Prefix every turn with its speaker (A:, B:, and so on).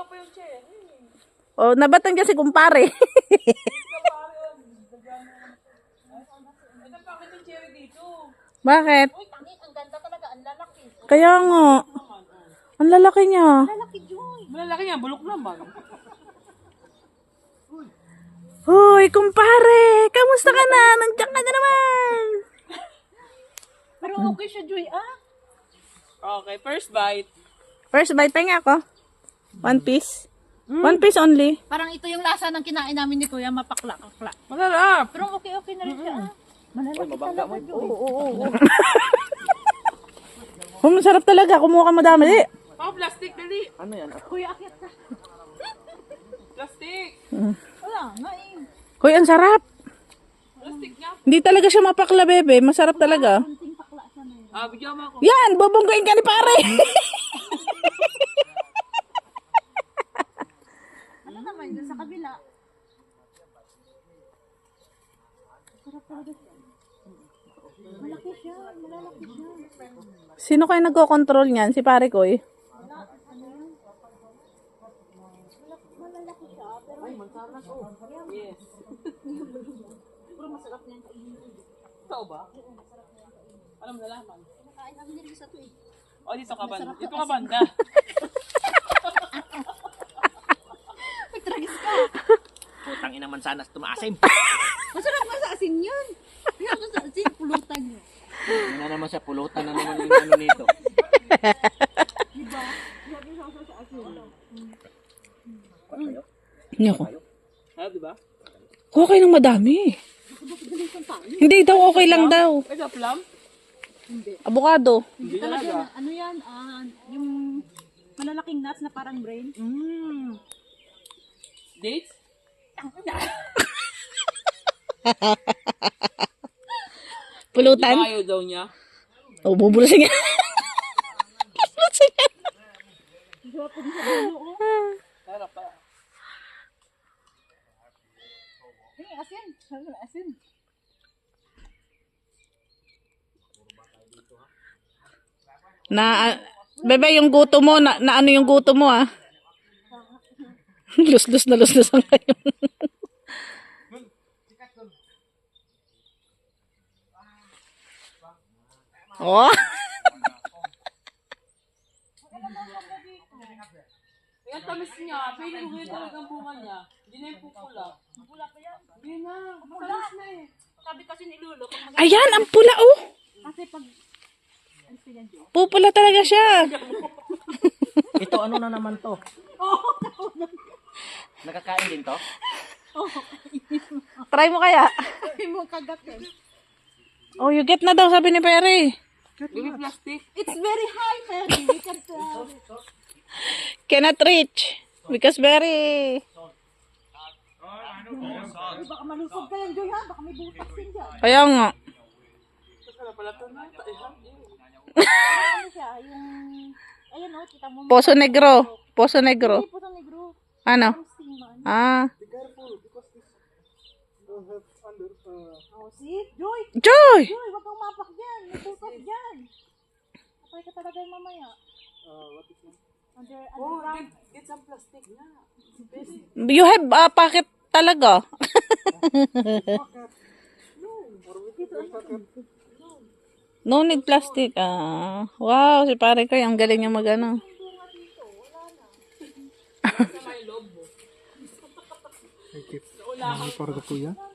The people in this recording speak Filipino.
A: Kulang pa yung chair.
B: O, nabatan kasi kumpare.
A: Ito bakit yung chair dito?
B: Bakit?
C: Uy, tangin, ang ganda talaga, ang lalaki.
B: Kaya nga. Ang lalaki niya.
C: Lalaki, Joy.
A: Malalaki niya, bulok naman.
B: Hoy, kumpare! Kamusta ka na? Nandiyan ka na naman!
C: Pero okay siya, Joy, ah.
A: Okay, first bite.
B: First bite, pahinga ako. One piece. One piece only.
C: Parang ito yung lasa ng kinain namin ni Kuya, mapakla-kakla.
A: Masarap.
C: Pero okay na rin siya, ah. Malalaki talaga, Joy.
B: Oh, masarap talaga. Kumuha ka madami. Di.
A: Oh, plastic, dali.
D: Ano yan?
C: Kuya, akyat ka.
A: Plastic.
C: Wala, nga eh.
B: Hoy, ang sarap.
A: Plastic nga.
B: Hindi talaga siya mapakla, bebe. Masarap talaga.
C: Kunting pakla siya na yun.
A: Bigyan mo ako.
B: Yan! Bubunggain ka ni pare!
C: Ano naman yun sa kabila? Sarap talaga siya. Malaki siya, malalaki siya.
B: Sino kayo nagko-control niyan? Si pare ko eh.
C: Malalaki siya, pero
A: Yes.
C: pero masarap niyan kainin.
A: Totoo ba? Alam na laman.
C: Nakain namin nila sa to eh.
A: O, dito ka banda. Dito ka banda.
C: Magtragis ka.
D: Putang ina man sana tumaasim.
C: Masarap nga sa asin yun. Kaya ko sa asin, pulutan niyo.
D: Ano na naman siya, pulutan na naman yung ano nito.
B: Hindi ako.
A: Ha, diba?
B: Okay nang madami. Hindi daw, okay lang daw.
A: Ito, plum?
B: Avocado.
A: Hindi
C: Talaga,
A: talaga.
C: ano yan, yung malalaking nuts na parang brain.
A: Dates?
B: Pulutan.
A: Di ba ayaw daw niya?
B: Oh, bubulusin niya. Bubulusin niya.
A: Sarap pa.
C: Hey, asin. Asin.
B: Bebe, yung guto mo, na ano yung guto mo ah? Lus-lus na lus-lus ang kayo. Oh.
A: Kaya tamis niya. Feeling ko yun talaga ang bunga niya. Hindi na yung pupula.
C: Pula pa yan.
A: Hindi na. Tamis na eh.
C: Sabi kasi ni Lolo, kung
B: Ayan, ang pula oh.
C: kasi pag ano pa yan, Joy?
B: Pupula talaga siya.
D: Ito ano na naman to? Nakakain din to?
B: Try mo kaya.
C: Sabi mo kagat yan.
B: Oh, you get na daw, sabi ni Perry.
A: Give me plastic.
C: It's very high, Perry. We can't
B: Cannot reach. Because Perry.
C: baka malusog ka yan, Joy, ha? Baka may butas din dyan.
B: Kaya nga.
A: Ano pala ito na?
C: Ano siya, yung... Ayan, oh, kita mo.
B: Poso Negro. Poso Negro.
C: Hindi po sa negro.
B: Ano?
C: Ang steaman.
B: Ah.
C: Oh, see? Joy!
B: Joy!
C: Joy, wag kang mapak dyan. May butas dyan. Kapay ka talaga yung mamaya. Underground.
A: Get some plastic na.
B: You have a pocket talaga. No need plastic. Ah. Wow, si pare ko, ang galing niya mag-ano.
A: Sa may loob mo.
E: Para ko po yan.